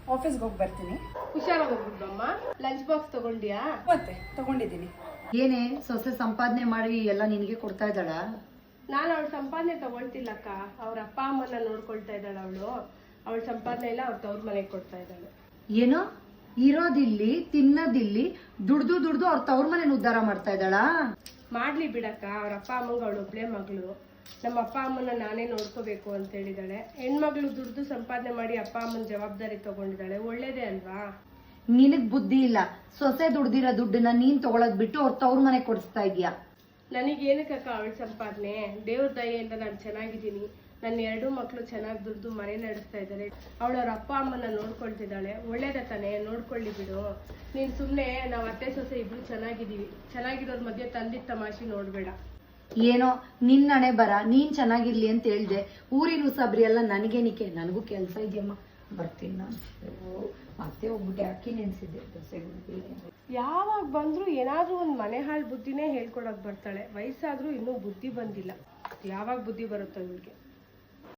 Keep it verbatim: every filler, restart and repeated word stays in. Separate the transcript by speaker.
Speaker 1: ಆಫೀಸ್ಗೆ ಹೋಗಿ ಬರ್ತೀನಿ.
Speaker 2: ಹುಷಾರಾಗಿ ಹೋಗ್ಬಿಡ್ಬಮ್ಮ. Lunch box ತಗೊಂಡಿಯಾ?
Speaker 1: ಮತ್ತೆ ತಗೊಂಡಿದ್ದೀನಿ.
Speaker 3: ಏನೇ ಸೊಸೆ ಸಂಪಾದನೆ ಮಾಡಿ ಎಲ್ಲ ನಿನಗೆ ಕೊಡ್ತಾ ಇದ್ದಾಳ?
Speaker 2: ನಾನು ಅವಳ ಸಂಪಾದನೆ ತಗೊಳ್ತಿಲ್ಲಕ್ಕ. ಅವ್ರ ಅಪ್ಪ ಅಮ್ಮನ ನೋಡ್ಕೊಳ್ತಾ ಇದ್ದಾಳೆ ಅವಳು. ಅವಳ ಸಂಪಾದನೆ ಎಲ್ಲ ಅವ್ರ ತವ್ರ ಮನೆಗೆ ಕೊಡ್ತಾ ಇದ್ದಾಳೆ.
Speaker 3: ಏನೋ ಇರೋದಿಲ್ಲಿ ತಿನ್ನೋದಿಲ್ಲಿ ದುಡ್ದು ದುಡ್ದು ಅವ್ರ ತವ್ರ ಮನೇನ ಉದ್ಧಾರ ಮಾಡ್ತಾ ಇದ್ದಾಳಾ?
Speaker 2: ಮಾಡ್ಲಿ ಬಿಡಕ್ಕ. ಅವ್ರ ಅಪ್ಪ ಅಮ್ಮಂಗ ಅವಳು ಒಬ್ಳೆ ಮಗಳು. ನಮ್ಮ ಅಪ್ಪ ಅಮ್ಮನ ನಾನೇ ನೋಡ್ಕೋಬೇಕು ಅಂತ ಹೇಳಿದಾಳೆ. ಹೆಣ್ಮಗಳು ದುಡ್ದು ಸಂಪಾದನೆ ಮಾಡಿ ಅಪ್ಪ ಅಮ್ಮನ ಜವಾಬ್ದಾರಿ ತಗೊಂಡಿದ್ದಾಳೆ. ಒಳ್ಳೇದೇ ಅಲ್ವಾ?
Speaker 3: ನಿನಗ್ ಬುದ್ಧಿ ಇಲ್ಲ. ಸೊಸೆ ದುಡ್ದಿರೋ ದುಡ್ಡನ್ನ ನೀನ್ ತಗೊಳದ್ ಬಿಟ್ಟು ಅವ್ರ ತವ್ರ ಮನೆ ಕೊಡಿಸ್ತಾ ಇದೀಯ.
Speaker 2: ನನಗೇನಕ್ಕ ಅವಳ ಸಂಪಾದನೆ? ದೇವ್ರ ದಯೆಯಿಂದ ನಾನು ಚೆನ್ನಾಗಿದ್ದೀನಿ. ನನ್ನ ಎರಡು ಮಕ್ಕಳು ಚೆನ್ನಾಗಿ ದುಡ್ದು ಮನೆ ನಡೆಸ್ತಾ ಇದ್ದಾರೆ. ಅವಳವ್ರ ಅಪ್ಪ ಅಮ್ಮನ ನೋಡ್ಕೊಳ್ತಿದ್ದಾಳೆ. ಒಳ್ಳೇದ ತಾನೆ, ನೋಡ್ಕೊಳ್ಳಿ ಬಿಡು. ನೀನ್ ಸುಮ್ನೆ ನಾವ್ ಅತ್ತೆ ಸೊಸೆ ಇಬ್ರು ಚೆನ್ನಾಗಿದೀವಿ, ಚೆನ್ನಾಗಿರೋರ್ ಮಧ್ಯೆ ತಂದಿದ್ದ ತಮಾಷೆ ನೋಡ್ಬೇಡ.
Speaker 3: ಏನೋ ನಿನ್ನ ಹಣೆ ಬರ, ನೀನ್ ಚೆನ್ನಾಗಿರ್ಲಿ ಅಂತ ಹೇಳ್ದೆ. ಊರಿನ ಉಸಾಬ್ರಿ ಎಲ್ಲ ನನಗೇನಿಕೆ? ನನಗೂ ಕೆಲ್ಸ ಇದೆಯಮ್ಮ, ಬರ್ತೀನಿ ನಾನು. ಮತ್ತೆ ಹೋಗ್ಬಿಟ್ಟೆ ಅಕ್ಕಿ ನೆನ್ಸಿದ್ದೆ ದೋಸೆಗಳು.
Speaker 2: ಯಾವಾಗ ಬಂದ್ರು ಏನಾದ್ರೂ ಒಂದ್ ಮನೆ ಹಾಳು ಬುದ್ಧಿನೇ ಹೇಳ್ಕೊಡಕ್ ಬರ್ತಾಳೆ. ವಯಸ್ಸಾದ್ರೂ ಇನ್ನೂ ಬುದ್ಧಿ ಬಂದಿಲ್ಲ. ಯಾವಾಗ ಬುದ್ಧಿ ಬರುತ್ತೋ ಇವಳಿಗೆ?